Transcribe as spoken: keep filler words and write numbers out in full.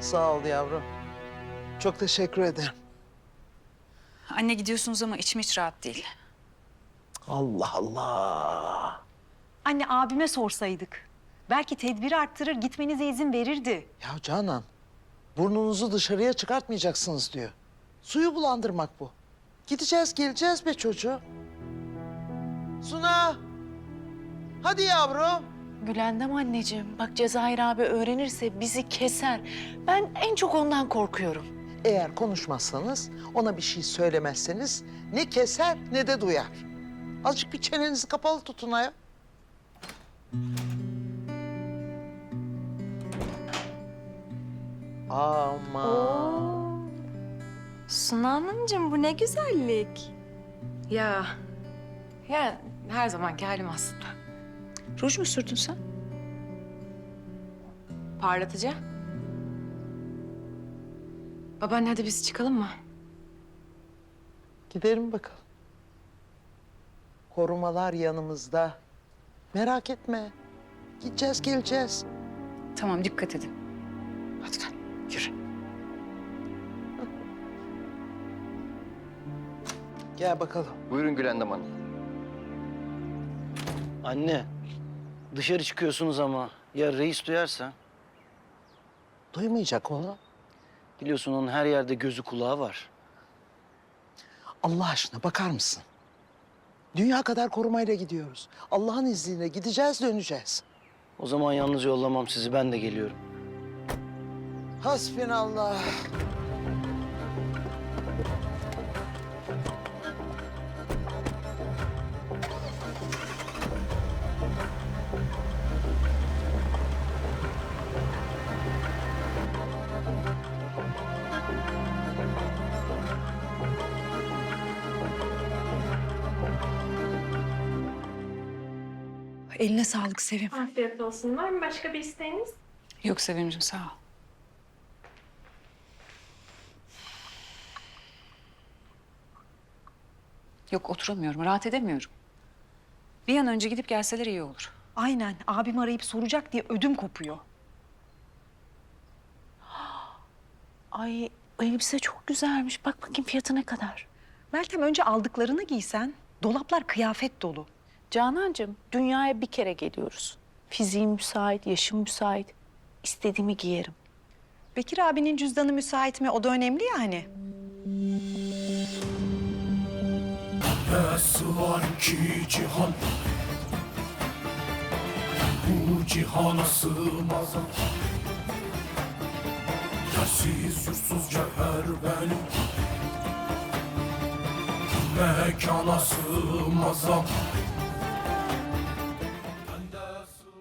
Sağ ol yavrum. Çok teşekkür ederim. Anne gidiyorsunuz ama içim hiç rahat değil. Allah Allah. Anne abime sorsaydık. Belki tedbiri arttırır, gitmenize izin verirdi. Ya Canan, burnunuzu dışarıya çıkartmayacaksınız diyor. Suyu bulandırmak bu. Gideceğiz, geleceğiz be çocuğum. Suna, hadi yavrum. Gülendam anneciğim, bak Cezayir abi öğrenirse bizi keser. Ben en çok ondan korkuyorum. Eğer konuşmazsanız, ona bir şey söylemezseniz ne keser ne de duyar. Azıcık bir çenenizi kapalı tutun ya. Aman. Suna Hanımcığım bu ne güzellik. Ya, ya her zamanki halim aslında. Ruj mu sürdün sen? Parlatıcı. Babaanne hadi biz çıkalım mı? Gidelim bakalım. Korumalar yanımızda. Merak etme. Gideceğiz, geleceğiz. Tamam, dikkat edin. Hadi gel, yürü. Gel bakalım. Buyurun Gülendam Hanım. Anne, dışarı çıkıyorsunuz ama ya reis duyarsa? Duymayacak onu. Biliyorsun onun her yerde gözü kulağı var. Allah aşkına bakar mısın? Dünya kadar korumayla gidiyoruz. Allah'ın izniyle gideceğiz, döneceğiz. O zaman yalnız yollamam sizi, ben de geliyorum. Hasbinallah. Eline sağlık Sevim. Afiyet olsun. Var mı başka bir isteğiniz? Yok Sevimciğim, sağ ol. Yok, oturamıyorum, rahat edemiyorum. Bir an önce gidip gelseler iyi olur. Aynen, abim arayıp soracak diye ödüm kopuyor. Ay, o elbise çok güzelmiş. Bak bakayım fiyatı ne kadar. Meltem önce aldıklarını giysen, dolaplar kıyafet dolu. Canancığım, dünyaya bir kere geliyoruz. Fiziğim müsait, yaşım müsait. İstediğimi giyerim. Bekir abinin cüzdanı müsait mi? O da önemli ya hani. Nasıl var ki cihan, bu cihana sığmaz. Yersiz yursuz cevher benim, mekana sığmaz.